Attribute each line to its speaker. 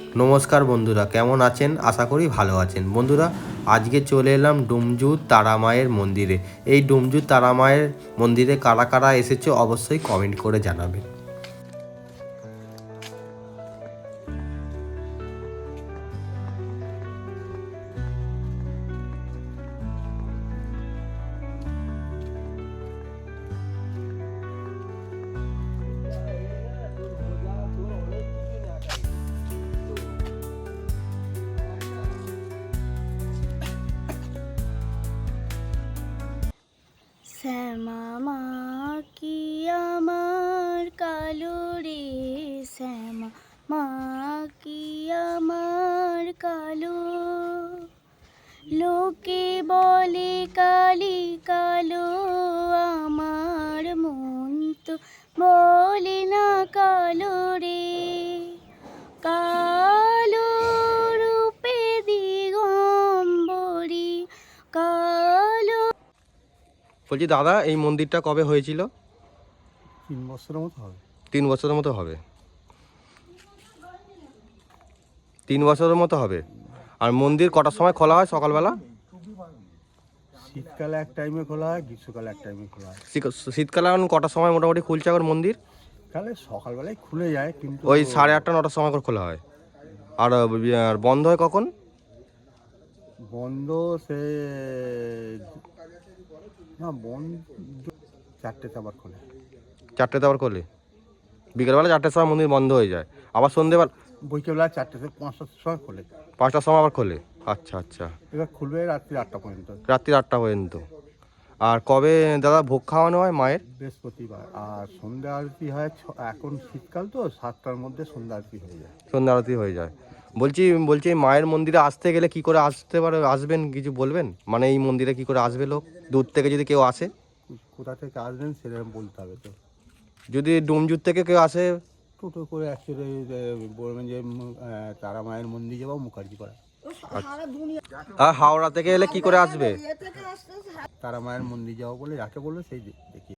Speaker 1: নমস্কার বন্ধুরা, কেমন আছেন? আশা করি ভালো আছেন। বন্ধুরা, আজকে চলে এলাম ডুমজুর তারামায়ের মন্দিরে। এই ডুমজুর তারামায়ের মন্দিরে কারা কারা এসেছে অবশ্যই কমেন্ট করে জানাবেন।
Speaker 2: শ্যামা মা কি আমার কালো রে, শ্যামা মা কি আমার কালো। লোকে বলে কালি কালো, আমার মন তো বলে না কালো রে। কালো রূপে দিগম্বরী, কালো।
Speaker 1: বলছি দাদা, এই মন্দিরটা কবে হয়েছিল?
Speaker 3: 3 বছরের মতো হবে।
Speaker 1: 3 বছরের মতো হবে। 3 বছরের মতো হবে। আর মন্দির কটার সময় খোলা হয়? সকালবেলা?
Speaker 3: শীতকালে এক টাইমে খোলা হয়, গ্রীষ্মকালে এক টাইমে খোলা হয়।
Speaker 1: শীতকালে এখন কটার সময় মোটামুটি খুলছে এখন মন্দির?
Speaker 3: কালে সকালবেলায় খুলে যায়, কিন্তু
Speaker 1: ওই 8:30 9টার সময় করে খোলা হয়। আর আর বন্ধ হয় কখন?
Speaker 3: বন্ধ সে না বন্ধ 4টেতে আবার খোলে।
Speaker 1: 4টেতে আবার খোলে। বিকেলবেলা 4টের সময় মন্দির বন্ধ হয়ে যায়, আবার সন্ধ্যেবেলা
Speaker 3: বৈকালবেলা 4টে থেকে 5টার সময় খোলে।
Speaker 1: 5টার সময় আবার খোলে। আচ্ছা আচ্ছা।
Speaker 3: এবার খুলবে রাত্রি 8টা পর্যন্ত।
Speaker 1: রাত্রি 8টা পর্যন্ত। আর কবে দাদা ভোগ খাওয়ানো হয় মায়ের?
Speaker 3: বৃহস্পতিবার। আর সন্ধ্যা আরতি হয় এখন শীতকাল তো 7টার মধ্যে সন্ধ্যা আরতি হয়ে যায়।
Speaker 1: সন্ধ্যা আরতি হয়ে যায়। বলছি এই মায়ের মন্দিরে আসতে গেলে কি করে আসবেন কিছু বলবেন? মানে এই মন্দিরে কি করে আসবে লোক, দূর থেকে যদি কেউ আসে?
Speaker 3: কোথা থেকে আসবেন সেরকম বলতে হবে তো।
Speaker 1: যদি ডুমজুর থেকে কেউ আসে?
Speaker 3: টোটো করে অ্যাকচুয়ালি বলবেন যে তারা মায়ের মন্দির যাবো মুখার্জি পাড়া।
Speaker 1: আর হাওড়া থেকে এলে কি করে আসবে?
Speaker 3: তারা মায়ের মন্দির যাবো বলে যাকে বললো সেই দেখি।